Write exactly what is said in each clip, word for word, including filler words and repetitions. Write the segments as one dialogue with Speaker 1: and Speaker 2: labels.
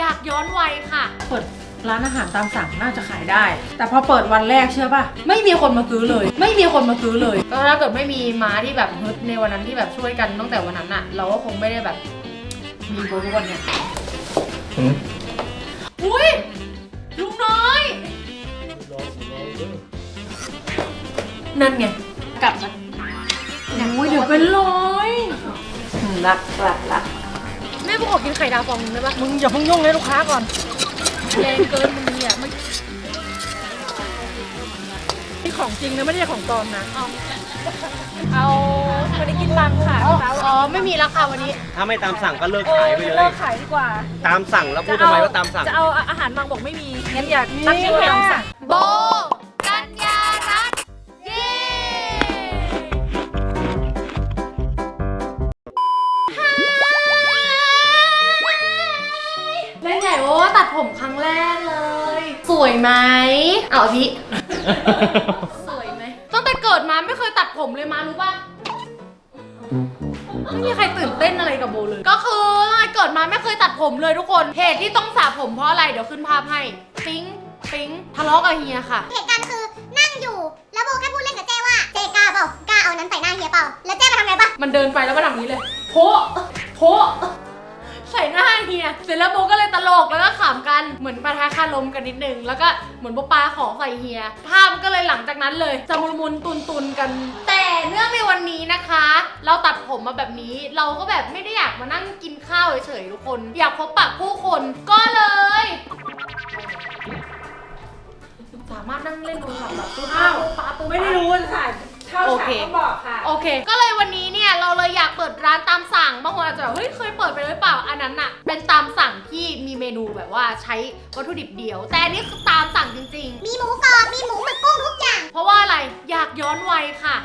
Speaker 1: อยากย้อนวัยค่ะ
Speaker 2: เปิดร้านอาหารตามสั่งน่าจะขายได้แต่พอเปิดวันแรกเชื่อป่ะไม่มีคนมาซื้อเลยไม่มีคนมาซื้อเลย
Speaker 1: ก็ถ้าเกิดไม่มีม้าที่แบบฮึดในวันนั้นที่แบบช่วยกันตั้งแต่วันนั้นอะเราก็คงไม่ได้แบบมีโบทุกวันเนี้ยอุ้ยลุงน้อยนั่นไงกลับมา
Speaker 2: โอ้ยเดี๋ยวเป็นร้อยรักรักรัก
Speaker 1: แม่กูขอกินไข่ดาวฟองนึงได้ปะ
Speaker 2: มึงอย่าเพิ่งยุ่งเลยลูกค้าก่อน
Speaker 1: แรงเกินมึงเนี่ยมัน
Speaker 2: นี่ของจริงนะไม่ใช่ของปลอมนะ
Speaker 1: เอาเอาวันนี้กินบังค่ะอ๋อไม่มีราคาวันนี้
Speaker 3: ถ้าไม่ตามสั่งก็เลิกขายไปเลย
Speaker 2: เลิกขายดีกว่า
Speaker 3: ตามสั่งแล้วพูดทำไมว่าตามสั่ง
Speaker 2: จะเอาอาหารบางบอกไม่มีงั้นอยากตั้งชื่อตามสั่ง
Speaker 1: โบกัญญารัตน์เย้เล่นใหญ่โอ้ตัดผมครั้งแรกเลยสวยไหมเอาพี่สวยไหมตั้งแต่เกิดมาไม่เคยตัดผมเลยมารู้ป่ะไม่มีใครตื่นเต้นอะไรกับโบเลยก็คือเกิดมาไม่เคยตัดผมเลยทุกคนเหตุที่ต้องสระผมเพราะอะไรเดี๋ยวขึ้นภาพให้ปิ๊งปิ๊งทะเลาะกับเฮียค่ะ
Speaker 4: เหตุการณ์คือนั่งอยู่แล้วโบแค่พูดเล่นกับเจ้ว่าเจกล้าเปล่ากล้าเอานั้นใส่หน้าเฮียเปล่าแล้วเจ้มาทำไงปะ
Speaker 1: มันเดินไปแล้วมาทำนี้เลยโพะโพะใส่หน้าเฮียเสร็จแล้วโบก็เลยตลกแล้วก็ขำกันเหมือนปะทะคารมกันนิดนึงแล้วก็เหมือนโบปาของใส่เฮียภาพก็เลยหลังจากนั้นเลยจะมุนมุนตุนตุนกันแต่เนื่องในวันนี้นะคะ เราตัดผมมาแบบนี้เราก็แบบไม่ได้อยากมานั่งกินข้าวเฉยๆทุกคนอยากพบปะผู้คนก็เลยสามารถนั่งเล่นโทรศัพท์แบบตู้ข้าวปาตู้
Speaker 2: ไม่ได้รู้ว่าจะถ่ายข้าวฉากก็บอกค่ะ
Speaker 1: โอเคก็เลยวันนี้เนี่ยเราเลยอยากเปิดร้านตามสั่งบางคนอาจจะเฮ้ยเคยเปิดไปหรือเปล่าอันนั้นอะเป็นตามสั่งที่มีเมนูแบบว่าใช้วัตถุดิบเดียวแต่อันนี้คือตามสั่งจริง
Speaker 4: ๆมีหมูกรอบมีหมูหมึกกุ้งทุกอย่าง
Speaker 1: เพราะว่าอะไรอยากย้อนวัยค่ะ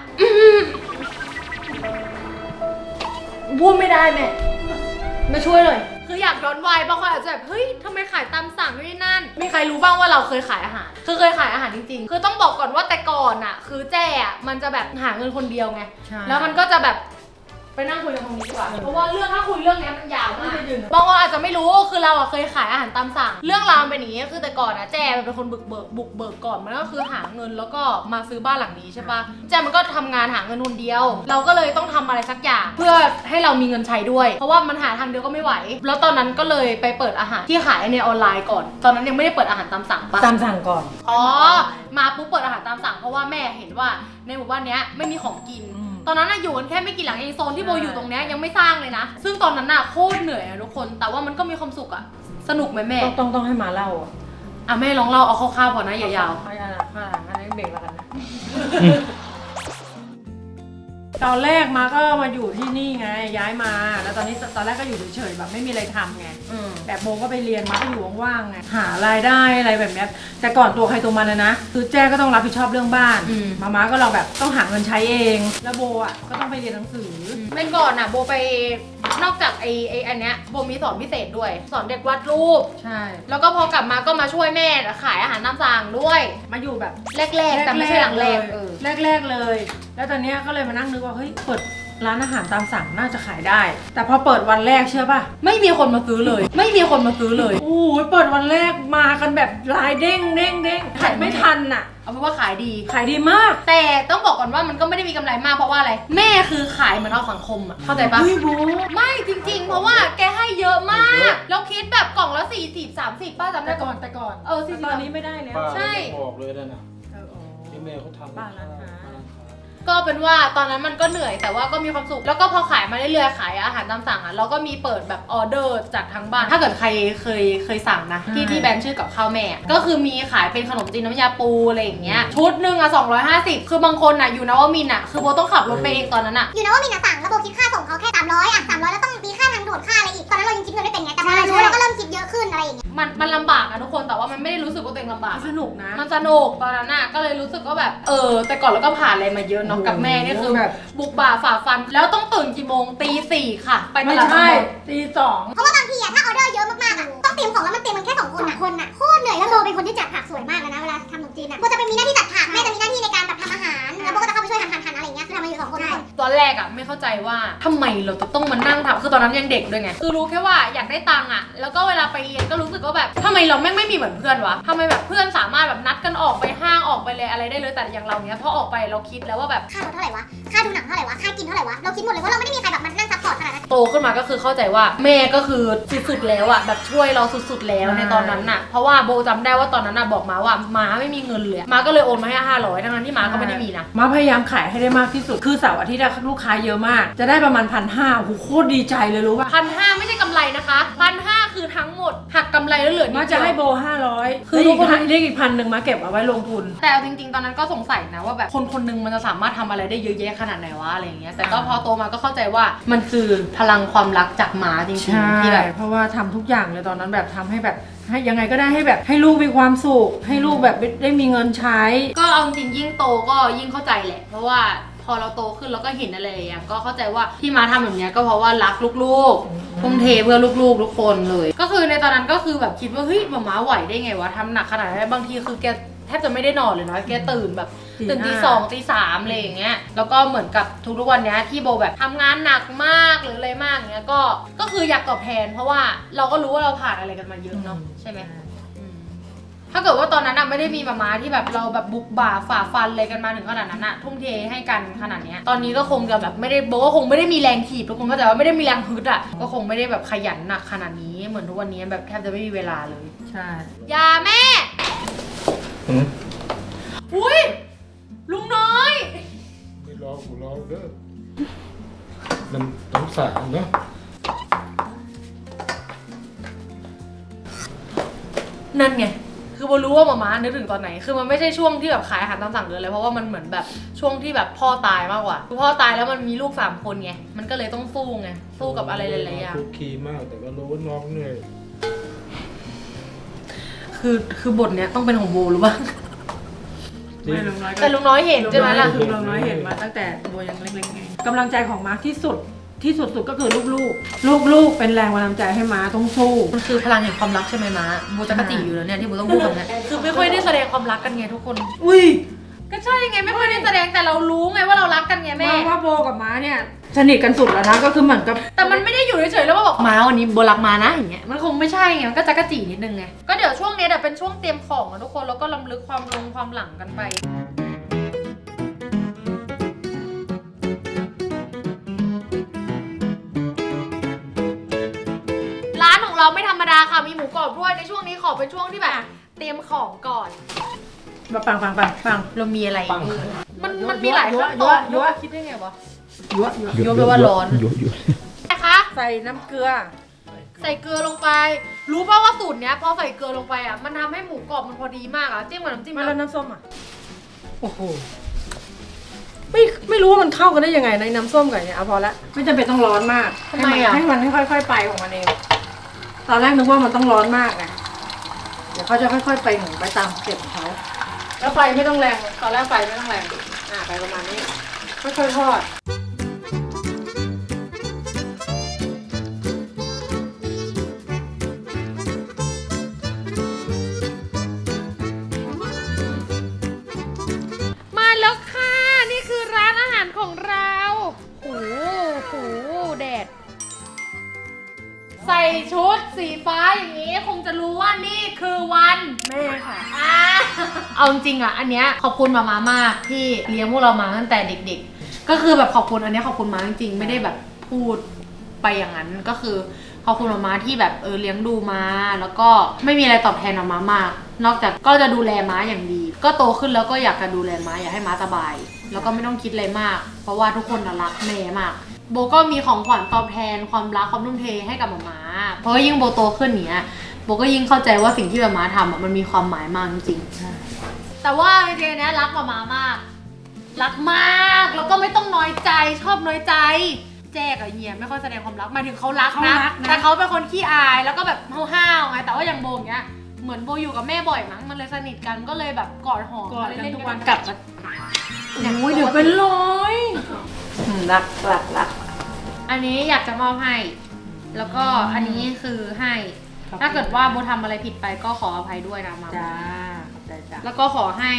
Speaker 1: พูดไม่ได้แม่มาช่วยเลยคืออยากย้อนวัยบางคนอาจจะแบบเฮ้ยทำไมขายตามสั่งด้วยนั่นมีใครรู้บ้างว่าเราเคยขายอาหารคือเคยขายอาหารจริงๆคือต้องบอกก่อนว่าแต่ก่อนอ่ะคือแจ้อ่ะมันจะแบบหาเงินคนเดียวไงแล้วมันก็จะแบบไปนั่งคุยกันตรงนี้ดีกว่าเพราะว่าเรื่องถ้าคุยเรื่องนี้มันยาวมากบางคนอาจจะไม่รู้คือเราอ่ะเคยขายอาหารตามสั่งเรื่องราวเป็นอย่างนี้คือแต่ก่อนอ่ะแจ้มันเป็นคนบุกเบิกบุกเบิกก่อนมันก็คือหาเงินแล้วก็มาซื้อบ้านหลังนี้ใช่ปะแจ้มันก็ทำงานหาเงินคนเดียวเราก็เลยต้องทำอะไรสักอย่างเพื่อให้เรามีเงินใช้ด้วยเพราะว่ามันหาทางเดียวก็ไม่ไหวแล้วตอนนั้นก็เลยไปเปิดอาหารที่ขายในออนไลน์ก่อนตอนนั้นยังไม่ได้เปิดอาหารตามสั่งปะ
Speaker 2: ตามสั่งก่อน
Speaker 1: อ๋อมาปุ๊บเปิดอาหารตามสั่งเพราะว่าแม่เห็นว่าในหมู่บ้านเนี้ยไม่มีของกินตอนนั้นน่ะอยู่กันแค่ไม่กี่หลังเองโซนที่โบอยู่ตรงเนี้ยยังไม่สร้างเลยนะซึ่งตอนนั้นน่ะโคตรเหนื่อยอะทุกคนแต่ว่ามันก็มีความสุขอะสนุกไหมแม่
Speaker 2: ต้องต้องให้มาเล่าอ่ะ
Speaker 1: อ่ะแม่ลองเล่าเอาคร่าวๆพอนะอย่ายาว
Speaker 2: ไม่ยาวค่ะอันนี้เบรกแล้วกันนะตอนแรกมาก็มาอยู่ที่นี่ไงย้ายมาแล้วตอนนี้ตอนแรกก็อยู่เฉยๆแบบไม่มีอะไรทำไงแบบโบก็ไปเรียนมาก็อยู่ว่างๆไงหารายได้อะไรแบบนี้แต่ก่อนตัวใครตัวมันนะนะคือแจ้ก็ต้องรับผิดชอบเรื่องบ้านมาม่าก็เราแบบต้องหาเงินใช้เองแล้วโบอ่ะก็ต้องไปเรียนหนังสือ
Speaker 1: เป็นก่อนอ่ะโบไปนอกจากไอ้ไอ้อันเนี้ยโบมีสอนพิเศษด้วยสอนเด็กวาดรูป
Speaker 2: ใช่
Speaker 1: แล้วก็พอกลับมาก็มาช่วยแม่ขายอาหารตามสั่งด้วย
Speaker 2: มาอยู่แบบ
Speaker 1: แรกๆแต่ไม่ใช่หลังแรกเออ
Speaker 2: แรกๆเลยแล้วตอนนี้ก็เลยมานั่งนึกว่าเฮ้ยเปิดร้านอาหารตามสั่งน่าจะขายได้แต่พอเปิดวันแรกเชื่อป่ะไม่มีคนมาซื้อเลยไม่มีคนมาซื้อเลยโอ้ยเปิดวันแรกมากันแบบรายเด้งเด้งเด้งขายไม่ทันน่ะ
Speaker 1: เอาเป็นว่าขายดี
Speaker 2: ขายดีมาก
Speaker 1: แต่ต้องบอกก่อนว่ามันก็ไม่ได้มีกำไรมากเพราะว่าอะไรแม่คือขายเหมือนเอาสังคมอ่ะเข้าใจปะ
Speaker 2: ไม่บู
Speaker 1: ไม่จริงๆเพราะว่าแกให้เยอะมากแล้วคิดแบบกล่องละสี่สิบสามสิบป้าจำได้
Speaker 2: ก่อนแต่ก่อน
Speaker 1: เออสี่สิบ
Speaker 2: ตอนนี้ไม่ได้แล้ว
Speaker 1: ใช่
Speaker 5: ออกเลยนะที่แม่เขาทำ
Speaker 2: บ้านร้านค้า
Speaker 1: ก็เป็นว่าตอนนั้นมันก็เหนื่อยแต่ว่าก็มีความสุขแล้วก็พอขายมาเรื่อยๆขายอาหารตามสั่งอ่ะเราก็มีเปิดแบบออเดอร์จากทางบ้านถ้าเกิดใครเคยเคยสั่งนะที่ที่แบรนด์ชื่อกับข้าวแม่ก็คือมีขายเป็นขนมจีนน้ำยาปูอะไรอย่างเงี้ยชุดหนึ่งอ่ะสองร้อยห้าสิบคือบางคนอ่ะอยู่นวมินทร์อ่ะคือโบต้องขับรถไปเองตอนนั้นอ่ะ
Speaker 4: อยู่นวมินทร์สั่งแล้วโบคิดค่าส่งเขาแค่สามร้อยอ่ะสามร้อยแล้วต้องมีค่าทางด่วนค่าอะไรอีกตอนนั้นเรายังคิดเงินไม่เป็นไงแต่พอเรารู้เราก็เริ่มคิดเยอะขึ้นอะไรอย่างเงี้ย
Speaker 1: มันมันลำบากนะทุกคนแต่ว่ามันไม่ได้รู้สึกว่าตัวเองลำบาก
Speaker 2: สนุกนะ
Speaker 1: มันสนุกตอนนั้นอ่ะก็เลยรู้สึกว่าแบบเออแต่ก่อนเราก็ผ่านอะไรมาเยอะเนาะกับแม่นี่คือแบบบุกบ่าฝ่าฟันแล้วต้องตื่นกี่โมงตีสี่ค่ะไปตลาด
Speaker 2: ไม่ตีสอง
Speaker 4: เพราะว่าบางทีอะถ้าออเดอร์เยอะมากๆอะต้องเตรียมของแล้วมันเตรียมมันแค่สองคนอะคนอะโคตรเหนื่อยแล้วโบเป็นคนที่จัดผักสวยมากเลยนะเวลาทำขนมจีนอะโบจะเป็นมีหน้าที่จัดผักแม่จะมีหน้าที่ในการแบบทำอาหารแล้วโบก็จะเข้าไปช่วยหั่นหั่นหั่นอะไรอย่างเงี้ยคือทำมาอยู่สองคน
Speaker 1: ตอนแรกอะไม่เข้าใจว่าทำไมเราจะต้องมานั่งทำคือตอนนั้นยังเด็กด้วยไงคือรู้แค่ว่าอยากได้ตังค์อะแล้วก็เวลาไปเรียนก็รู้สึกว่าแบบทำไมเราแม่งไม่มีเหมือนเพื่อนวะทำไมแบบเพื่อนสามารถแบบนัดกันออกไปห้างออกไปเลยอะไรได้เลยแต่อย่างเราเนี้ยพอออกไปเราคิดแล้วว่าแบบ
Speaker 4: ค่ารถเท่าไหร่วะ ค่าดูหนังเท่าไหร่วะ ค่ากินเท่าไหร่วะ เราคิดหมดเลยว่าเราไม่ได้มีใครแบบมานั่งซัพพอร์ตขนาดนั้น
Speaker 1: โตขึ้นมาก็คือเข้าใจว่าแม่ก็คือสุดๆแล้วอะแบบช่วยเราสุดๆแล้วในตอนนั้นน่ะเพราะว่าโบจำได้ว่าตอนนั้นน่ะบอกมาว่าม้าไม่มีเงินเลยม้าก็เลยโอนมาให้ห้าร้อยทั้งนั้นที่ม้าก็ไม่ได้มีนะ
Speaker 2: มาพยายามขายให้ได้มากที่สุดคือเสาร์อาทิตย์อะลูกค้าเยอะมากจะได้ประมาณพันห้าโอ้โหโคตรดีใจเลยรู้ป่ะ
Speaker 1: พันห้าไม่ใช่กำไรนะคะพันห้าคือทั้งหมดหักกำไรแล้วเหลือนิด
Speaker 2: มา
Speaker 1: เดี
Speaker 2: จะ
Speaker 1: ยว
Speaker 2: ให้โบห้าร้อย
Speaker 1: คื
Speaker 2: คือ อ
Speaker 1: ทุ
Speaker 2: อี
Speaker 1: ก
Speaker 2: ก
Speaker 1: คน
Speaker 2: พันเรียกอีกพันหนึ่งมาเก็บเอาไว้ลงทุน
Speaker 1: แต่เอาจริงๆตอนนั้นก็สงสัยนะว่าแบบคนคนหนึงมันจะสามารถทำอะไรได้เยอะแยะขนาดไหนวะอะไรอย่างเงี้ยแต่ก็พอโตมาก็เข้าใจว่ามันคือพลังความรักจากม้าจริง
Speaker 2: ใช่
Speaker 1: ๆที่แบบ
Speaker 2: เพราะว่าทำทุกอย่างเลยตอนนั้นแบบทำให้แบบให้ยังไงก็ได้ให้แบบให้ลูกมีความสุขให้ลูกแบบได้มีเงินใช้
Speaker 1: ก็เอาจริงๆยิ่งโตก็ยิ่งเข้าใจแหละเพราะว่าพอเราโตขึ้นเราก็เห็นอะไรอย่างก็เข้าใจว่าที่ม้าทำแบบเนี้ยก็เพราะว่ารักลูกๆทุ่มเทเพื่อลูกๆทุกคนเลย ก็คือในตอนนั้นก็คือแบบคิดว่าเฮ้ยหมาม้าไหวได้ไงวะทำหนักขนาดนั้นบางทีคือแกแทบจะไม่ได้นอนเลยนะแกตื่นแบบ
Speaker 2: ตี
Speaker 1: ตื่นตี
Speaker 2: ห้า
Speaker 1: สองตีสามอะไรอย่างเงี้ยแล้วก็เหมือนกับทุกๆวันเนี้ยที่โบแบบทำงานหนักมากหรืออะไรมากอย่างเงี้ยก็ก็คืออยากตอบแทนเพราะว่าเราก็รู้ว่าเราผ่านอะไรกันมาเยอะเนาะใช่ไหม ถ้าเกิดว่าตอนนั้นอะไม่ได้มีมาม้าที่แบบเราแบบบุกบ่าฝ่าฟันอะไรกันมาถึงขนาดนั้นอะทุ่มเทให้กันขนาดเนี้ยตอนนี้ก็คงจะแบบไม่ได้โบก็คงไม่ได้มีแรงถีบทุกคนก็แต่ว่าไม่ได้มีแรงฮึดอะก็คงไม่ได้แบบขยันหนักขนาดนี้เหมือนทุกวันนี้แบบแทบจะไม่มีเวลาเลย
Speaker 2: ใช่
Speaker 1: ยาแม่อุ้ยลุงน้อย
Speaker 5: ไม่รอกูรอเด้อมันต้องสั่งเนาะ
Speaker 1: นั่นไงคือโบรู้ว่ามาม้านึกถึงตอนไหนคือมันไม่ใช่ช่วงที่แบบขายอาหารตามสั่งเลยเพราะว่ามันเหมือนแบบช่วงที่แบบพ่อตายมากกว่าคือพ่อตายแล้วมันมีลูกสามคนไงมันก็เลยต้องสู้ไงสู้กับอะไรหลายๆอย่าง
Speaker 5: คุกคีมากแต่ก็รู้ว่าน้องเหนื่อย
Speaker 1: คือคือบทเนี้ยต้องเป็นของโบหรือเปล่า
Speaker 2: ไม่ลุงน้อยก็
Speaker 1: แต่ลุงน้อยเห็นใช่ไหมล่ะ
Speaker 2: คือลุงน้อยเห็นมาตั้งแต่โบยังเล็กๆไงกำลังใจของมาร์คที่สุดที่สุดๆก็คือลูกๆลูกๆเป็นแรงบันดาลใจให้ม้าต้องสู้
Speaker 1: มันคือพลังแห่งความรักใช่ไหมม้าโบจะกระจีอยู่แล้วเนี่ยที่โบต้องพูดแบบนี้คือไม่ค่อยได้แสดงความรักกันไงทุกคน
Speaker 2: อุ้ย
Speaker 1: ก็ใช่ไงไม่ค่อยได้แสดงแต่เรารู้ไงว่าเรารักกันไงแม่
Speaker 2: ว่าว่าโบกับม้าเนี่ยสนิทกันสุดแล้วนะก็คือเหมือนกับ
Speaker 1: แต่มันไม่ได้อยู่เฉยๆแล้วมาบอกม้าวันนี้โบรักม้านะอย่างเงี้ยมันคงไม่ใช่ไงมันก็จะกระจีนิดนึงไงก็เดี๋ยวช่วงนี้เดี๋ยวเป็นช่วงเตรียมของนะทุกคนแล้วก็รำลึกความลงความหลังกันไปร้านของเราไม่ธรรมดาค่ะมีหมูกรอบด้วยในช่วงนี้ขอเป็นช่วงที่แบบเตรียมของก่อน
Speaker 2: มาฟังฟังฟังฟัง
Speaker 1: เรามีอะไร
Speaker 5: ปัง
Speaker 1: มันมันมีหลายขั้นตอน
Speaker 2: ยั่ว
Speaker 1: คิดได้ไงวะ
Speaker 2: ยั่วยั่ว
Speaker 1: โยนไปว่าร้อนนะคะ
Speaker 2: ใส่น้ำเกลือ
Speaker 1: ใส่เกลือลงไป รู้ป่าวว่าสูตรเนี้ยพอใส่เกลือลงไปอ่ะมันทำให้หมูกรอบมันพอดีมากอ่ะจิ้มกับน้ำจิ้ม
Speaker 2: มาแล้วน้ำส้มอ่ะโอ้โหไม่ไม่รู้ว่ามันเข้ากันได้ยังไงในน้ำส้มกับเนี่ยเอาพอละไม่จำเป็นต้องร้อนมาก
Speaker 1: ทำไมอ่ะ
Speaker 2: ให้มันให้ค่อยๆไปของมันเองตอนแรกนึกว่ามันต้องร้อนมากไงเดี๋ยวเขาจะค่อยๆไปหนูไปตามสเต็ปของเขาแล้วไฟไม่ต้องแรงตอนแรกไฟไม่ต้องแรงอ่าไปประมาณนี้ค่อยๆทอด
Speaker 1: มาแล้วค่ะนี่คือร้านอาหารของเราโหโหแดดใส่ชุดสีฟ้าอย่างนี้คงจะรู้ว่านี่คือวัน
Speaker 2: แม่ค่ะ
Speaker 1: อ่าเอาจริงๆอ่ะอันเนี้ยขอบคุณมามามากที่เลี้ยงพวกเรามาตั้งแต่เด็กๆก็คือแบบขอบคุณอันเนี้ยขอบคุณมาจริงๆไม่ได้แบบพูดไปอย่างนั้นก็คือขอบคุณมามาที่แบบเออเลี้ยงดูมาแล้วก็ไม่มีอะไรตอบแทนมามามาก นอกจากก็จะดูแลม้าอย่างดี ก็โตขึ้นแล้วก็อยากจะดูแลม้าอยากให้ม้าสบาย แล้วก็ไม่ต้องคิดอะไรมาก เพราะว่าทุกคนน่ะรักแม่มากโบก็มีของขวัญตอบแทนความรักความทุ่มเทให้กับมาม้าเพราะว่ายิ่งโบโตขึ้นเนี้ยโบก็ยิ่งเข้าใจว่าสิ่งที่มาม้าทำอ่ะมันมีความหมายมากจริงๆแต่ว่าจริงๆเนี้ยรักมาม้ามากรักมากแล้วก็ไม่ต้องน้อยใจชอบน้อยใจแจ๊กอะเฮียไม่ค่อยแสดงความรักหมายถึงเขารักนะแต่เขาเป็นคนขี้อายแล้วก็แบบห้าวๆไงแต่ว่าอย่างโบเนี้ยเหมือนโบอยู่กับแม่บ่อยมั้งมันเลยสนิทกันก็เลยแบบกอดหอม
Speaker 2: กอดกันทุกวัน
Speaker 1: กลับมา
Speaker 2: โอ้ยเดี๋ยวเป็นร้อยรักรักรัก
Speaker 1: อันนี้อยากจะมอบให้ แล้วก็อันนี้คือให้ ถ้าเกิดว่าโบทำอะไรผิดไปก็ขออภัยด้วยนะมา
Speaker 2: จ้าขอบใจจ้า
Speaker 1: แล้วก็ขอให้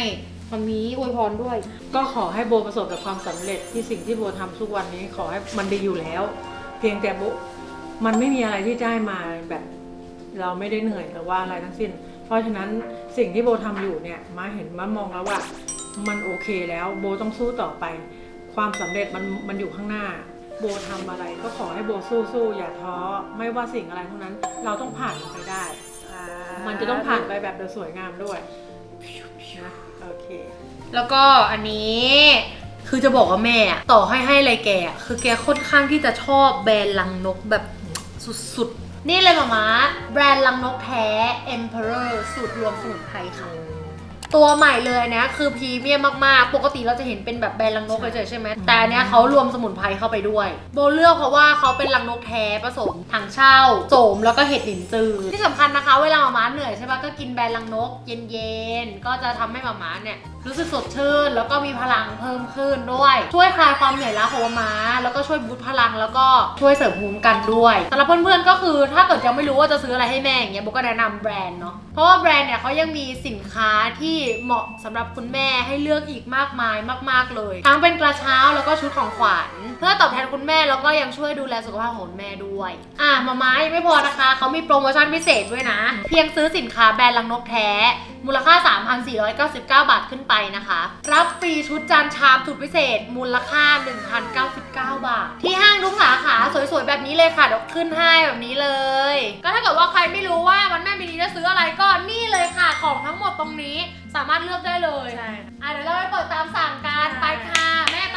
Speaker 1: มามีอวยพรด้วย
Speaker 2: ก็ขอให้โบประสบกับความสำเร็จที่สิ่งที่โบทำทุกวันนี้ขอให้มันดีอยู่แล้ว เพียงแต่โบมันไม่มีอะไรที่ได้มาแบบเราไม่ได้เหนื่อยหรือว่าอะไรทั้งสิ้น เพราะฉะนั้นสิ่งที่โบทำอยู่เนี่ยมาเห็นมามองแล้วว่ามันโอเคแล้วโบต้องสู้ต่อไป ความสำเร็จมันมันอยู่ข้างหน้าโบทำอะไรก็ขอให้โบสู้สู้อย่าท้อไม่ว่าสิ่งอะไรทั้งนั้นเราต้องผ่านมันไปได้ มันจะต้องผ่านไปแบบโดยสวยงามด้วยนะโอเค
Speaker 1: แล้วก็อันนี้คือจะบอกว่าแม่อะต่อให้ให้อะไรแกอะคือแกค่อนข้างที่จะชอบแบรนด์ลังนกแบบสุดๆ นี่เลยมาม่าแบรนด์ลังนกแท้ Emperor สูตรรวมสมุนไพรค่ะ ตัวใหม่เลยนะคือพรีเมียมมากๆ ปกติเราจะเห็นเป็นแบบแบรนด์ลังนกเฉยๆใช่ไหมแต่อันเนี้ยเขารวมสมุนไพรเข้าไปด้วยโบเลือกเพราะว่าเขาเป็นลังนกแท้ผสมถังเช่าโสมแล้วก็เห็ดหลินจือที่สำคัญนะคะเวลามาม่าเหนื่อยใช่ปะก็กินแบรนด์ลังนกเย็นๆก็จะทำให้มาม่าเนี่ยรู้สึกสดชื่นแล้วก็มีพลังเพิ่มขึ้นด้วยช่วยคลายความเหนื่อยล้าของมาม่าแล้วก็ช่วยบูสต์พลังแล้วก็ช่วยเสริมภูมิคุ้มกันด้วยสำหรับเพื่อนๆก็คือถ้าเกิดยังไม่รู้ว่าจะซื้ออะไรให้แม่อย่างเงี้ยโบก็แนะนำแบรนด์เนาะเพราะว่าแบรนด์เนี่ยเขายังมีสินค้าที่เหมาะสำหรับคุณแม่ให้เลือกอีกมากมายมากๆเลยทั้งเป็นกระเช้าแล้วก็ชุดของขวัญเพื่อตอบแทนคุณแม่แล้วก็ยังช่วยดูแลสุขภาพของคุณแม่ด้วยอ่ะมาม่ายังไม่พอนะคะเขามีโปรโมชั่นพิเศษด้วยนะเพียงซื้อสินค้าแบรนด์ลังนกแท้มูลค่า สามพันสี่ร้อยเก้าสิบเก้า บาทขึ้นไปนะคะรับฟรีชุดจานชามสุดพิเศษมูลค่า หนึ่งพันเก้าสิบเก้า บาทที่ห้างทุกสาขาสวยๆแบบนี้เลยค่ะเดี๋ยวขึ้นให้แบบนี้เลยก็ถ้าเกิดว่าใครไม่รู้ว่าวันแม่ปีนี้จะซื้ออะไรก็นี่เลยค่ะของทั้งหมดตรงนี้สามารถเลือกได้เลยใช่อ่ะเดี๋ยวเราไปเปิดตามสั่งกันไปค่ะแม่ไป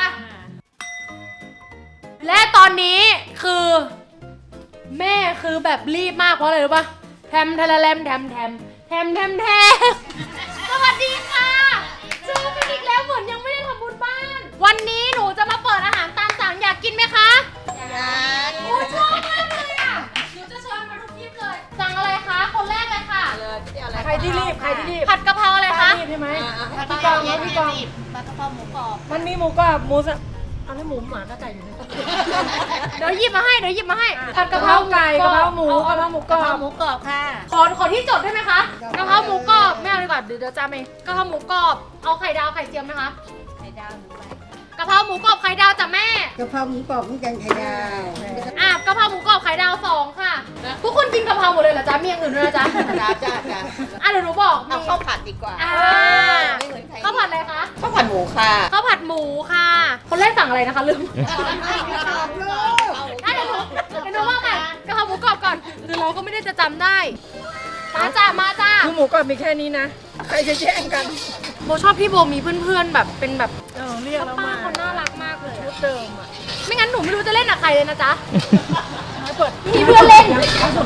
Speaker 1: และตอนนี้คือแม่คือแบบรีบมากเพราะอะไรรู้ป่ะแทมทะละแลมแทมแทมแทมแทมแทมสวัสดีค่ะเจอกันอีกแล้วเหมือนยังไม่ได้ทำบุญบ้านวันนี้หนูจะมาเปิดอาหารตามสั่งอยากกินไหมคะอยากโอ้ชอบมากเลยอ่ะหนูจะเชิญมาทุกทีเลยสั่งอะไรคะคนแรกเลยค่ะ
Speaker 2: ใครที่รีบใครที่รีบ
Speaker 1: ผัดกะเพราอะไรคะ
Speaker 2: รีบใช่ไหม
Speaker 1: ผัด
Speaker 2: พี่
Speaker 1: กะ
Speaker 2: ก
Speaker 1: เพ
Speaker 2: อ
Speaker 1: ราง
Speaker 2: นะพี่กอง
Speaker 1: ผัดกะเพราหมูกรอบ
Speaker 2: มันมีหมูกรอบหมูสะอันนี้หมูหมาก็ไก่อยู่ในตู้
Speaker 1: เดี๋ยวหยิบมาให้เดี๋ยวหยิบมาให้ผัด
Speaker 2: กะ
Speaker 1: กะ
Speaker 2: เพ
Speaker 1: เพ
Speaker 2: รา
Speaker 1: รา
Speaker 2: ไก่กะเพราหมูกะเพราหมูกรอบ
Speaker 6: หมูกรอบค่ะ
Speaker 1: ขอขอที่จดได้ไหมคะกะเพราหมูกรอบไม่เอาดีกว่าเดี๋ยวเดี๋ยวจำเองกะเพราหมูกรอบเอาไข่ดาวไข่เจียวไหมคะ
Speaker 6: ไข่ดาวหมูไป
Speaker 1: กะเพราหมูกรอบไข่ดาวจ้ะแม่
Speaker 6: กะเพราหมูกรอบเหมือนกันไข่ดาว
Speaker 1: อ่ะกะเพราหมูกรอบไข่ดาวสองค่ะทุกคนกินกะเพราหมดเลยเหรอจ๊ะมีอย่างอื่นด้วยนะจ๊ะ
Speaker 6: จ้าจ้าจ้า
Speaker 1: อ่ะเดี๋ยวหนูบอกมี
Speaker 6: เอาข้าวผัดดีกว่า
Speaker 1: อ่า
Speaker 6: ไม่เหมือนใคร
Speaker 1: ข้าวผัดอะไรคะ
Speaker 6: ข้าวผัดหมูค่ะ
Speaker 1: ข้าวผัดหมูค่ะ คนแรกสั่งอะไรนะคะลืม อ่ะเดี๋ยวหนูเดี๋ยวหนูว่าใหม่กะเพราหมูกรอบก่อนหรือเราก็ไม่ได้จะจำได้มาจ้ามาจ้า
Speaker 2: คือหมูกรอบมีแค่นี้นะใครจะแย่งกัน
Speaker 1: โบชอบพี่โบมีเพื่อนๆแบบเป็นแบบ
Speaker 2: เออเรียกแล้ว
Speaker 1: ป้า
Speaker 2: มา
Speaker 1: เขาน่ารักมากเลย
Speaker 2: ชุ
Speaker 1: อะ
Speaker 2: ดเดิมอ่ะ
Speaker 1: ไม่งั้นหนูไม่รู้จะเล่นกับใครเลยนะจ๊ะ
Speaker 2: ให้เปิด
Speaker 1: มีเพื่อนเล่น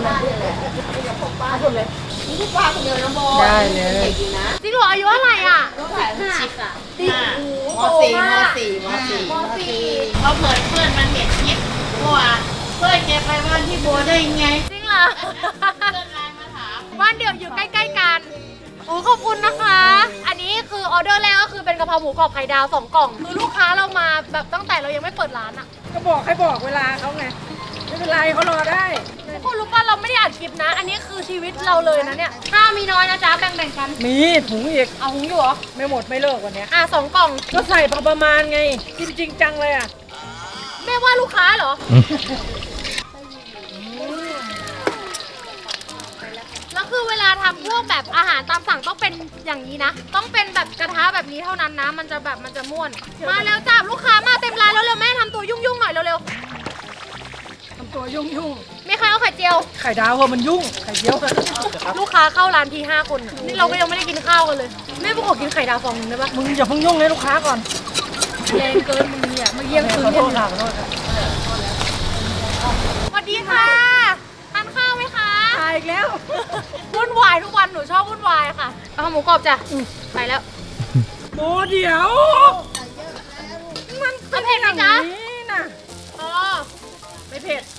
Speaker 6: ป้าคนเดียวนะโบ
Speaker 2: ได้เลย
Speaker 6: จริงนะ
Speaker 1: จริงเหรออายุเท่าไหร่อ่ะ
Speaker 6: ชิคอะ
Speaker 1: สิบโอ้โห
Speaker 6: ม
Speaker 1: โต
Speaker 6: สี่ม
Speaker 1: มาก
Speaker 6: สี่มสี่
Speaker 1: มสี่
Speaker 6: เขาเปิดเพื่อนมันเห็นคลิปเมื่อวานเพื่อนแกไปบ้านที่โบได้ไง
Speaker 1: จริงเหรอ
Speaker 6: เพื่อนไลน์มาถาม
Speaker 1: บ้านเดี่ยวอยู่ใกล้ๆกันโอ้ขอบคุณนะคะ อันนี้คือออเดอร์แรกก็คือเป็นกะเพราหมูกรอบไข่ดาวสองกล่อง คือลูกค้าเรามาแบบตั้งแต่เรายังไม่เปิดร้านอะ
Speaker 2: ก็บอกให้บอกเวลาเขาไงไม่เป็นไรเขารอได้
Speaker 1: ทุกคนรู้ป่ะเราไม่ได้อัดคลิปนะ อันนี้คือชีวิตเราเลยนะเนี่ยข้าวมีน้อยนะจ๊ะแบ่งๆกัน
Speaker 2: มีถุงอีก
Speaker 1: เอาหุงอยู่เหรอ
Speaker 2: ไม่หมดไม่เลิกวันเนี้ย
Speaker 1: อ่ะสองกล่อง
Speaker 2: ก็ใส่พอประมาณไงจริงจริงจังเลยอ่ะ
Speaker 1: แม่ว่าลูกค้าเหรอ แล้วคือเวลาทำพวกแบบอาหารตามสั่งต้องเป็นอย่างนี้นะ ต้องเป็นแบบกระทะแบบนี้เท่านั้นนะ มันจะแบบมันจะม่วน มาแล้วจ้าลูกค้ามาเต็มร้านแล้วเร็วๆแม่ทำตัวยุ่งๆหน่อยเร็ว
Speaker 2: ทำตัวยุ่งยุ่ง
Speaker 1: ๆมีใครเอาไข่เจียว
Speaker 2: ๆไข่ดาวเหอะมันยุ่งไข่เจียว
Speaker 1: ลูกค้าเข้าร้านทีห้าคนน่ะนี่เราก็ยังไม่ได้กินข้าวกันเลย แม่พวกขอกินไข่ดาวฟองนึงได้ปะ
Speaker 2: มึงอย่าเพิ่งยุ่งเลยลูกค้าก่อน
Speaker 1: แรงเกินมึงเนี่ยมาเยี่ยมคืน
Speaker 2: ขอโท
Speaker 1: กัน
Speaker 2: ษค่ะขอโทษค่ะ
Speaker 1: สวัสดีค่ะทานข้าวไหมคะ
Speaker 2: ตายอีกแล้ว
Speaker 1: วุ่นวายทุกวันหนูชอบวุ่นวายค่ะเอาหมูกรอบจ้ะไปแล้ว
Speaker 2: โบเดี๋ยว
Speaker 1: มันเผ็ดไหมจ๊ะ
Speaker 2: นี่นะ
Speaker 1: อ๋อ
Speaker 2: ไม่เผ็ด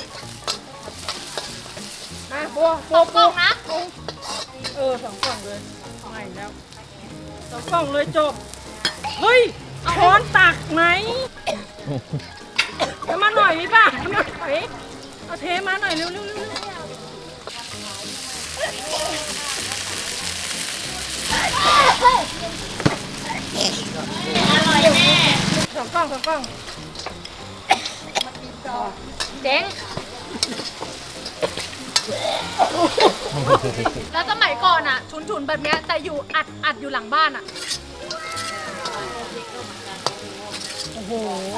Speaker 2: มาโบโบ
Speaker 1: สอง
Speaker 2: โบ
Speaker 1: กล่องนะ
Speaker 2: เออสองกล่องเลยไม่แล้วสองกล่องเลยจบเฮ้ยช้อนตักไหมเอามาหน่อยดิป่ะเอามาหน่อยเอาเทมาหน่อยเร็วเร็วเร็วเร็ว
Speaker 6: อร่อยแน่
Speaker 2: สองกล้องสองกล้อง
Speaker 1: เจ๊งแล้วสมัยก่อนอ่ะ ชุนๆแบบเนี้ยแต่อยู่อัดอัดอยู่หลังบ้านอ่ะ
Speaker 2: โอ้โห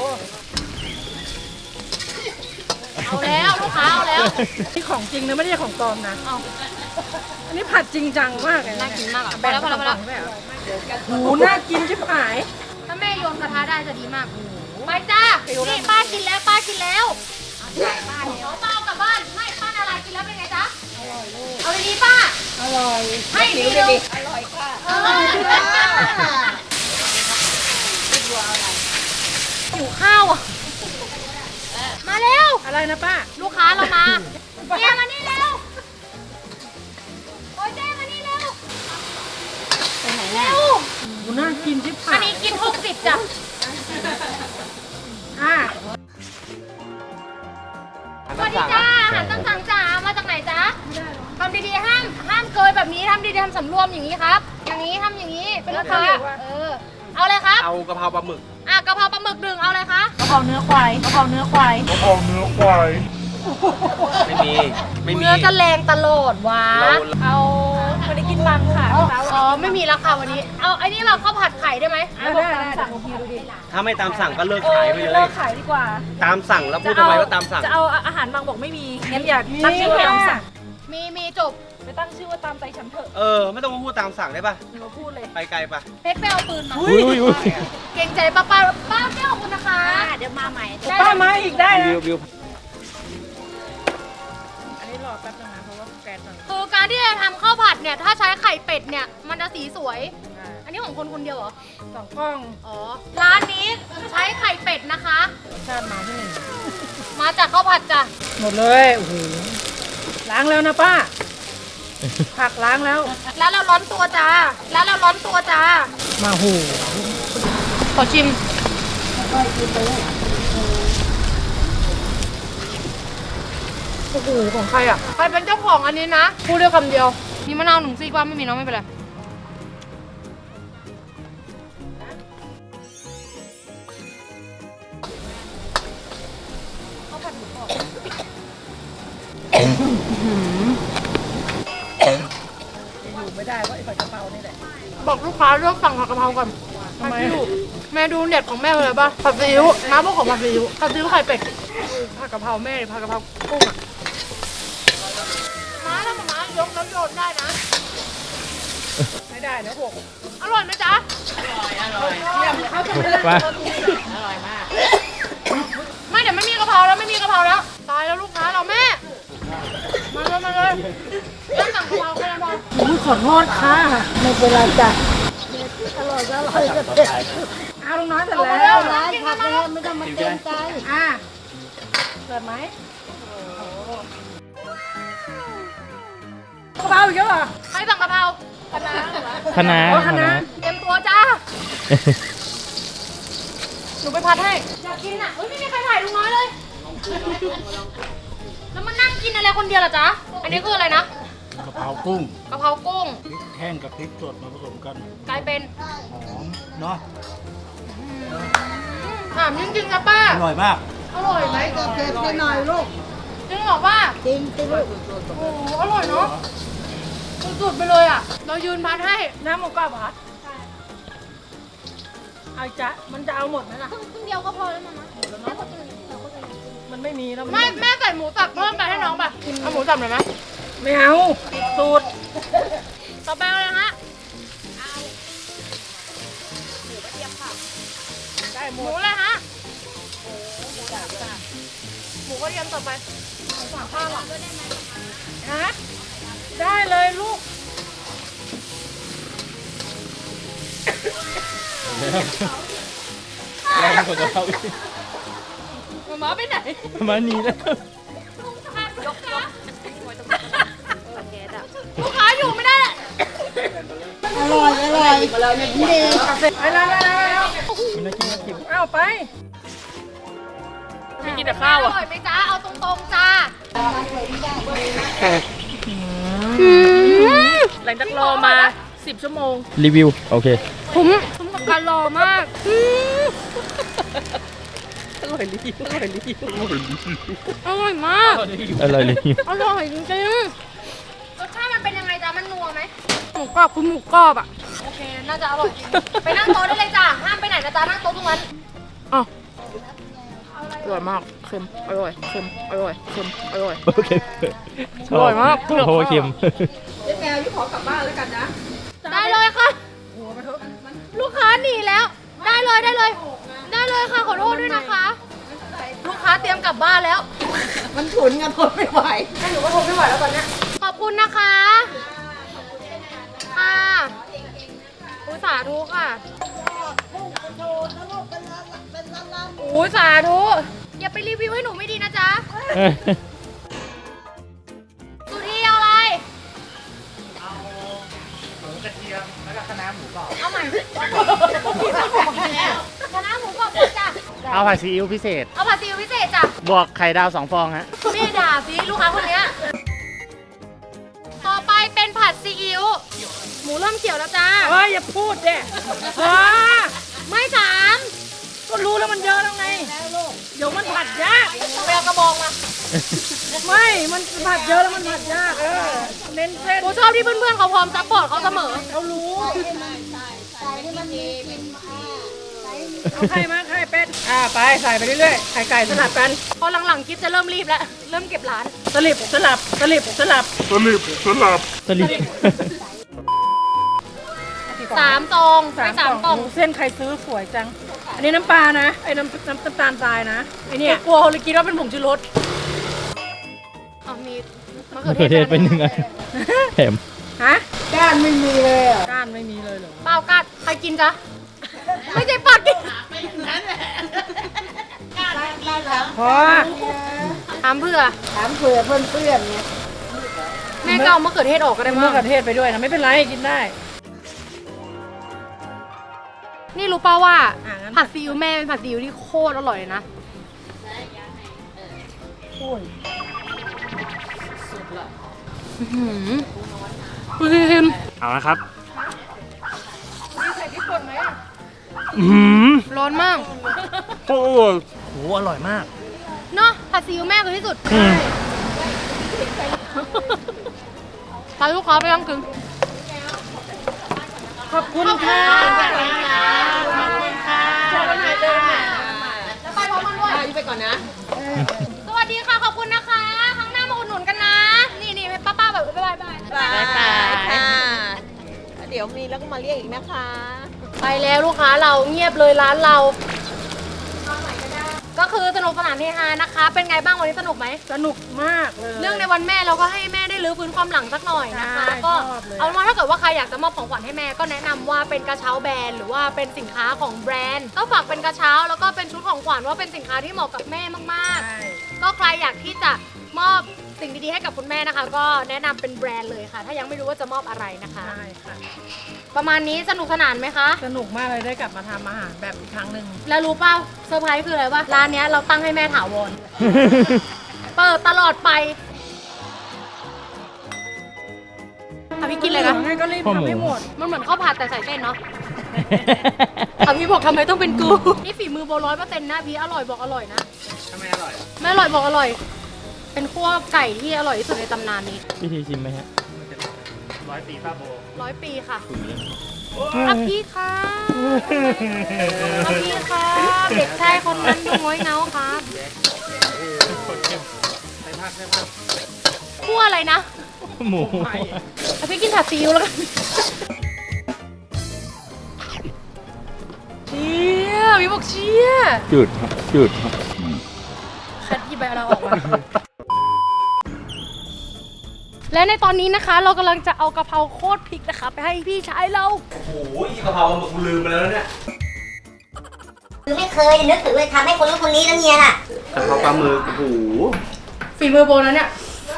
Speaker 1: เอาแล้วลูกค้าเอาแล้ว
Speaker 2: นี่ของจริงนะไม่ใช่ของปลอมนะ
Speaker 1: เอา
Speaker 2: อันนี้ผัดจริงจังมากเลย
Speaker 1: น่ากินมากอ่ะพอแล้วพอแล้วพอแล้ว
Speaker 2: โอ้โหน่ากินชิบหาย
Speaker 1: ถ้าแม่โยนกระทะได้จะดีมากไปจ้านี่ป้ากินแล้วป้ากินแล้วป้าเดี๋ยวป้าเอากลับบ้านไม่ป้านาลายกินแล้วเป็นไงจ๊ะอร่อยลูกเอาดีๆป้า
Speaker 2: อร่อย
Speaker 1: ให้ดีเดียวอร่อยค่ะหิวข้าวอ่ะมาเร็ว
Speaker 2: อะไรนะป้า
Speaker 1: ลูกค้าเรามาเจ๊มานี่เร็วโอ้ยเจ๊มานี่เร็วไปไหนแล้ว
Speaker 2: โอ้น่ากินชิบหา
Speaker 1: อัน
Speaker 2: ย
Speaker 1: นี้กินหกสิบจ้ะ
Speaker 2: อ่ะ
Speaker 1: สวัสดีจ้าอาหารตามสั่งจ้ามาจากไหนจ๊ะทำดีๆห้ามห้ามเกยแบบนี้ทำดีๆทำสำรวมอย่างนี้ครับ อย่างนี้ทำอย่างนี้เป็นลูกค้าเออเอาเลยครับ
Speaker 3: เอากะเพราปลาหมึก
Speaker 1: อ่ะกะเพราปลาหมึกหนึ่งเอาเลยคะ
Speaker 2: กะเพราเนื้อควายกะเพราเนื้อควาย
Speaker 3: ไม่มี ไม่มี
Speaker 1: เนื้อจะแรงตลอดวะ
Speaker 3: เรา
Speaker 1: เอาไม่ได้กินบังค่ะอ๋อไม่มีราคาวันนี้ เอาไอ้นี่เราข้าวผัดไข่ได้ไหม
Speaker 2: ได้ได้ได้สั่งทีดูดิ
Speaker 3: ถ้าไม่ตามสั่งก็เลิกขายไปเลย
Speaker 2: ขายดีกว่า
Speaker 3: ตามสั่งแล้วพูดทำไมว่าตามสั่ง
Speaker 7: จะเอาอาหารบางบอกไม่มี งั้นอย่าตั้งชื่อว่าตามสั่ง
Speaker 1: มีมีจบ
Speaker 7: ไปตั้งชื่อว่าตามใจฉันเถอะ
Speaker 3: เออ ไม่ต้องมาพูดตามสั่งได้ปะ
Speaker 7: หนูพูดเลย
Speaker 3: ไปไกลปะ
Speaker 1: เพชรไปเอาปืนมาเก่งใจป้าป้าป้าแก้วขอบคุณนะคะ
Speaker 7: เดี๋ยวมาใหม่
Speaker 1: ได้
Speaker 2: ป้ามาอีกได้นะ
Speaker 3: วิววิว
Speaker 7: อันนี้รอแป๊บนึงนะเพราะว่าแกนมัน
Speaker 1: คือการที่จะทำข้าวผัดเนี่ยถ้าใช้ไข่เป็ดเนี่ยมันจะสีสวย อันนี้ของคนคนเดียวเหรอ
Speaker 2: สองกล้อง
Speaker 1: อ๋อ ร้านนี้ใช้ไข่เป็ดนะคะ
Speaker 2: ชาติมาที่หนึ่ง
Speaker 1: มาจากข้าวผัดจ้ะ
Speaker 2: หมดเลยโอ้โหล้างแล้วนะป้า ผักล้างแล้ว
Speaker 1: แล้วเราร้อนตัวจ้า แล้วเราร้อนตัวจ้า
Speaker 2: มาหู
Speaker 1: ขอชิม โอ้โห ของใครอ่ะ ใครเป็นเจ้าของอันนี้นะ พูดเดียวคำเดียว มีมะนาวหนึ่งซีกว่าไม่มีเนาะไม่เป็นไร
Speaker 2: อยู่ไม่ได้เพราะไอ้ผัดกะเพรานี่แหละ
Speaker 1: บอกลูกค้าเลือกสั่งผัดกะเพราก่อน
Speaker 2: ทำไม
Speaker 1: ผัดซีอิ๊วแม่ดูเน็ตของแม่เลยป่ะ ผัดซีอิ๊วน้าบอกของผัดซีอิ๊วผัดซีอิ๊วไข่เป็ด ผัดกะเพราแม่หรือผัดกะเพรากุ้งอ่ะม้าถ้าม้ายกแล้วโยนได้นะ
Speaker 2: ไม่ได้นะหก
Speaker 1: อร่อยไหมจ๊ะ
Speaker 2: เขาจะไม่ได้
Speaker 6: อร่อยมาก
Speaker 1: ไม่เดี๋ยวไม่มีกะเพราแล้วไม่มีกะเพราแล้ว ตายแล้วลูกค้าเราแม่ มาเลยมาเลยเริ่มสั่งกะเพราแค่นั้นพอ
Speaker 2: อุ้ยขอโทษค่ะไม่เป็นไรจ้ะอร่อยก็อร่อยก็เด็ดเอาลุงน้อยเสร็จ
Speaker 1: เอามา
Speaker 2: แล้
Speaker 1: เร็
Speaker 2: ว
Speaker 1: วร้านกินกันมาแล้ว
Speaker 2: ไม่ต้องมาเกรงใจอ่ะเปิดไหมกะเพราอีกแล้วเหรอ
Speaker 1: ใครสั่งกะเพรา
Speaker 8: คณะ
Speaker 2: โอ้คณะ
Speaker 1: เตรียมตัวจ้า หนูไปพัดให้ อยากกินอ่ะเฮ้ยไม่มีใครถ่ายลุงน้อยเลย แล้วมันนั่งกินอะไรคนเดียวเหรอจ๊ะ อันนี้คืออะไรนะ
Speaker 5: กะเพรากุ้ง
Speaker 1: กะเพรากุ้ง
Speaker 5: พริกแห้งกับพริกสดมาผสมกัน
Speaker 1: กลายเป็น
Speaker 5: หอมเนาะ
Speaker 1: ถามจริงๆนะป้า
Speaker 5: อร่อยมาก
Speaker 1: อร่อยไหม
Speaker 2: เผ็ดไปหน่อยลูก
Speaker 1: จริงเหรอป้า
Speaker 2: จริงสิลูก
Speaker 1: โอ้โหอร่อยเนาะสุดๆไปเลยอ่ะ เรายืนพัดให้
Speaker 2: น้ำหมูกรอบเหรอเอาจ๊ะมันจะเอาหมดไหมล่ะ
Speaker 1: ครึ่งเดียวก็พอแล้วนะแม่ก็กินเราก็กิน
Speaker 2: มันไม่มีแล้ว
Speaker 1: ไม่แม่ใส่หมูสับเพิ่มไปให้น้องป่ะเอาหมูสับหน่อยไหม
Speaker 2: ไม่เอาสูตร
Speaker 1: ต่อไปเลยฮะ
Speaker 2: ได้ห
Speaker 1: ห
Speaker 2: ม
Speaker 1: มู
Speaker 2: ด
Speaker 1: เลยฮะหมูกระเทียมต่อไปสั่งข้าวอ่ะ
Speaker 2: ฮะได้เลยลูก
Speaker 8: แรงกว่ากะเพราอีก
Speaker 1: หมาไปไหน
Speaker 8: ประมาณนี้แล้ว
Speaker 1: ยกยกลูกค้าอยู่ไม่ได้
Speaker 2: อร่อยอร่อยมาเลยเนี่ยดีไปแล้วไปแล้วไปแล้ว
Speaker 8: มันน่ากินน่ากิน
Speaker 2: เอาไป
Speaker 7: ไม่กินแต่ข้าว
Speaker 1: อ
Speaker 7: อ่ะ
Speaker 1: ร่อยไหมจ้าเอาตรงๆจ้า
Speaker 7: หลังจากรอมาสิบชั่วโมง
Speaker 8: รีวิว โอเค
Speaker 1: ผมผมกับกันรอมากอืม
Speaker 8: อร่อยรีบอร่อยรีบ
Speaker 1: อร่อยมาก
Speaker 8: อร่อยรีบ
Speaker 1: อร่อยจริงๆรสชาติมันเป็นยังไงจ๊ะมันนัวไหมหมูกรอบคือหมูกรอบอ่ะโอเคน่าจะอร่อยจริงไปนั่งโต๊ะได้เลยจ้ะห้ามไปไหนนะจ๊ะนั่งโต๊ะตรงนั้นอ๋ออร่อยมากเค็มอร่อยเค็มอร่อยเค็มอร่อย
Speaker 8: โอเคช
Speaker 1: อร่อยมาก
Speaker 8: เพราะว่าเค็ม
Speaker 1: ได้เลยค่ะลูกค้าหนีแล้ว ได้เลยได้เลย ได้เลยค่ะขอโทษด้วยนะคะ ลูกค้าเตรียมกลับบ้านแล้ว
Speaker 2: มันฉุนกันทนไม่ไหว
Speaker 1: แม่หนูก็ทนไม่ไหวแล้วตอนเนี้ยขอบคุณนะคะค่ะอุยสาธุค่ะอุ้ยสาธุอย่าไปรีวิวให้หนูไม่ดีนะจ๊ะสุธีเอาอะไร เอาใหม่คณะหมูกรอบจ้ะ
Speaker 9: เอาผัดซีอิ๊วพิเศษ
Speaker 1: เอาผัดซีอิ๊วพิเศษจ้ะ
Speaker 9: บวกไข่ดาวสองฟองฮะ
Speaker 1: แม่ด่าสิลูกค้าคนเนี้ยต่อไปเป็นผัดซีอิ๊วหมูเริ่มเขียวแล้วจ้า
Speaker 2: เฮ้ยอย่าพูดเด้ว้า
Speaker 1: ไม่สาม
Speaker 2: ก็รู้แล้วมันเยอะแล้วไง เดี๋ยวมันผัดยาก
Speaker 1: ไปเอากระบองมา
Speaker 2: ไม่ มันผัดเยอะแล้วมันผัดยาก เออ เน้นเส้น
Speaker 1: กูชอบที่เพื่อนๆเขาพร้อมซัพพอร์ตเขาเสมอ
Speaker 2: เขารู้เอาไข่มาไข่เป็ด อ่าไปใส่ไปเรื่อยๆ ไข่ไก่สลับกัน
Speaker 1: พอหลังๆคลิปจะเริ่มรีบแล้ว เริ่มเก็บร้าน
Speaker 2: สลิบสลับสลิบสลับ
Speaker 5: สลิปสลับ
Speaker 8: สลิด
Speaker 1: สามซองไปสามกล่อง
Speaker 2: เส้นใครซื้อสวยจัง อันนี้น้ำปลานะ ไอ้น้ำน้ำน้ำตาลทรายนะ ไอ้เนี่ย
Speaker 1: กลัวเลยคิดว่าเป็นผงชูรสอ๋อมีมะ
Speaker 8: มะ
Speaker 1: เขื
Speaker 8: เขื
Speaker 1: อ
Speaker 8: อ
Speaker 1: เท
Speaker 8: เท
Speaker 1: ศ
Speaker 8: ศเป็นหนึ่งอันแถม
Speaker 2: ฮะ ก้านไม่มีเลยอ่ะ ก้านไม่มีเลยเหรอ
Speaker 1: เปล่ากัดใครกินจ๊ะ ไม่ใช่ปากกิน
Speaker 2: พอ
Speaker 1: ถามเพื่อ
Speaker 2: ถามเผื่อเพื่อนเพื่อนๆไง
Speaker 1: แม่ก็เอามะเขือเทศออกก็ได้
Speaker 2: มะ
Speaker 1: มั้ง
Speaker 2: เขือเทศไปด้วยนะ ไม่เป็นไรกินได้
Speaker 1: นี่รู้ป่าวว่า
Speaker 2: อ่ะงั้น
Speaker 1: ผัดซีอิ๊วแม่เป็นผัดซีอิ๊วที่โคตรอร่อยเลยนะ
Speaker 2: โอ้ย
Speaker 1: อื้อหือดูสิคิม
Speaker 9: เอาละครับ
Speaker 8: อืม
Speaker 1: ร้อนมาก
Speaker 8: โอ้โหอร่อยมาก
Speaker 1: เนาะผัดซีอิ๊วแม่คือที่สุด
Speaker 8: อืม
Speaker 1: พาลูกค้าไปนั่งกิน
Speaker 2: ขอบคุณค่ะ
Speaker 1: ขอบคุณค่ะแล้วไปพร้อมกันด้วยไปก่อนนะ สวัสดีค่ะ ขอบคุณนะคะครั้งหน้ามาอุดหนุนกันนะ นี่นี่ป้าป้าแบบบ๊ายบายบาย
Speaker 6: บายบายค่ะ เดี๋ยวมีแล้วก็มาเรียกอีกนะคะ
Speaker 1: ไปแล้วลูกค้าเราเงียบเลยร้านเรา ก็คือสนุกสนานเฮฮานะคะ เป็นไงบ้างวันนี้สนุกไหม
Speaker 2: สนุกมากเลย
Speaker 1: เรื่องในวันแม่เราก็ให้แม่ได้รื้อฟื้นความหลังสักหน่อยนะคะ
Speaker 2: ใช่
Speaker 1: ก็
Speaker 2: ชอบเลย
Speaker 1: เอาเป็นว่าถ้าเกิดว่าใครอยากจะมอบของขวัญให้แม่ก็แนะนำว่าเป็นกระเช้าแบรนด์หรือว่าเป็นสินค้าของแบรนด์ก็ฝากเป็นกระเช้าแล้วก็เป็นชุดของขวัญว่าเป็นสินค้าที่เหมาะกับแม่มาก
Speaker 2: ใช่
Speaker 1: ๆ ก็ใครอยากที่จะมอบสิ่งดีๆให้กับคุณแม่นะคะ ก็แนะนำเป็นแบรนด์เลยค่ะ ถ้ายังไม่รู้ว่าจะมอบอะไรนะคะ
Speaker 2: ใช่ค่ะ
Speaker 1: ประมาณนี้สนุกสนานไหมคะ
Speaker 2: สนุกมากเลยได้กลับมาทำอาหารแบบอีกครั้งหนึ่ง
Speaker 1: แล้วรู้เปล่าเซอร์ไพรส์คืออะไรวะร้านเนี้ยเราตั้งให้แม่ถาวร เปิดตลอดไปอ่ะพี่กินเลยนะ
Speaker 2: งั้นก็รีบ
Speaker 8: พ่อหมู
Speaker 2: ทำให้หมด
Speaker 1: มันเหมือนข้าวผัดแต่ใส่เส้นเนาะ อ่ะพี่บอกทำไมต้องเป็นกู นี่ฝีมือโบร้อยเปอร์เซ็นต์นะพี่อร่อยบอกอร่อยนะ
Speaker 3: ทำไมอร่อย
Speaker 1: ไม่อร่อยบอกอร่อย เป็นคั่วไก่ที่อร่อยที่สุดในตำนานนี้
Speaker 8: พี่ทีชิมไหมฮะ
Speaker 3: ร้อยปีป้าโบ
Speaker 1: ร้อยปีค่ะอ่ะพี่ค่ะอ่ะพี่ค่ะเด็กชายคนนั้นดูง้อยเงาครับคั่วอะไรนะ
Speaker 8: หมู
Speaker 1: เอาพี่กินผัดซีอิ๊วแล้วกันเชี่ยพี่บอกเชี่ย
Speaker 8: จุดครับจุดครับ
Speaker 1: คัดหยิบใบเราออกมา และในตอนนี้นะคะ เรากำลังจะเอากะเพราโคตรพริกนะคะไปให้พี่ชายเรา
Speaker 3: โอ้โหกะเพราหมึกกูลืมไปแล้วเนี่ย
Speaker 4: คือไม่เคยนึกถึงเลยทำให้คนนู้นคนนี้แล้วเนี่ยล่ะ
Speaker 3: กะเพราปลาหมึกโอ้โห
Speaker 1: ฝีมือโบนะเนี่ย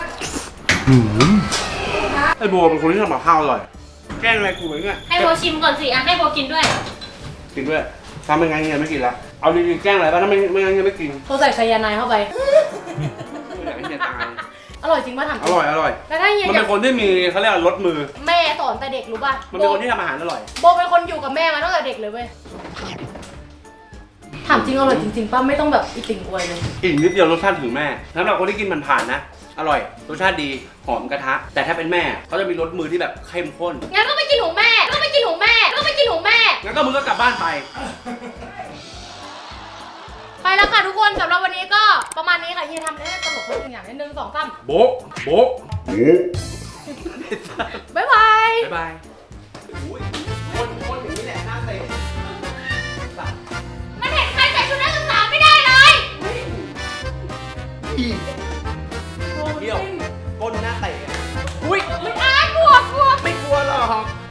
Speaker 3: ไอโบเป็นคนที่ทำกับข้าวอร่อย แกล้งอะไรกูเหมือนกัน
Speaker 1: ให้โบชิมก่อนสิอ่ะให้โบกินด้วย
Speaker 3: กินด้วยทำไม่งั้นเฮียไม่กินละเอาดีๆแกล้งอะไรบ้างถ้าไม่ไม่งั้นเฮียไม่กิน
Speaker 1: เขาใส่ไซยาไนด์เข้าไป
Speaker 3: อยากให้เฮียตาย
Speaker 1: ออร่อยจริงป่ะถามจ
Speaker 3: อ
Speaker 1: ริง
Speaker 3: ร่อยอร่อย
Speaker 1: แล้วถ้าเฮีย
Speaker 3: มัน
Speaker 1: อ
Speaker 3: เป็
Speaker 1: ยาก
Speaker 3: นคนที่มีเขาเรียกว่ารสมือ
Speaker 1: แม่สอนแต่เด็กรู้ป่ะ
Speaker 3: มันเป็นคนที่ทำอาหารอร่อย
Speaker 1: โบเป็นคนอยู่กับแม่มาตั้งแต่เด็กเลยเว้ยถามจริงอร่อยจริงๆป่ะไม่ต้องแบบอีติ่งอวยเลย
Speaker 3: อีกนิดเดียวรสชาติถึงแม่สำหรับคนที่กินมันผ่านนะ อร่อย รสชาติดี หอมกระทะ แต่ถ้าเป็นแม่เขาจะมีรสมือที่แบบเข้มข้น
Speaker 1: งั้นก็ไปกินของแม่ก็ไปกินของแม่ก็ไปกินของแม่
Speaker 3: งั้นก็มึงก็กลับบ้านไป
Speaker 1: ไปแล้วค่ะทุกคนสำหรับวันนี้ก็ประมาณนี้ค่ะเฮียทำได้ตลกทุกอย่างนิดนึงสองสาม
Speaker 3: โบ๊ะโบ๊ะ
Speaker 1: บ๊ายบาย
Speaker 3: บ๊ายบายอุ้ยคนคนอย่างนี้แหละหน้าเตะ
Speaker 1: มันเห็นใครใส่ชุดนักศึกษาไม่ได้เลย
Speaker 3: เที่ยวก้นหน้าเตะ
Speaker 1: อุ้ยไม่อายกลัวกลัว
Speaker 3: ไม่กลัวหรอก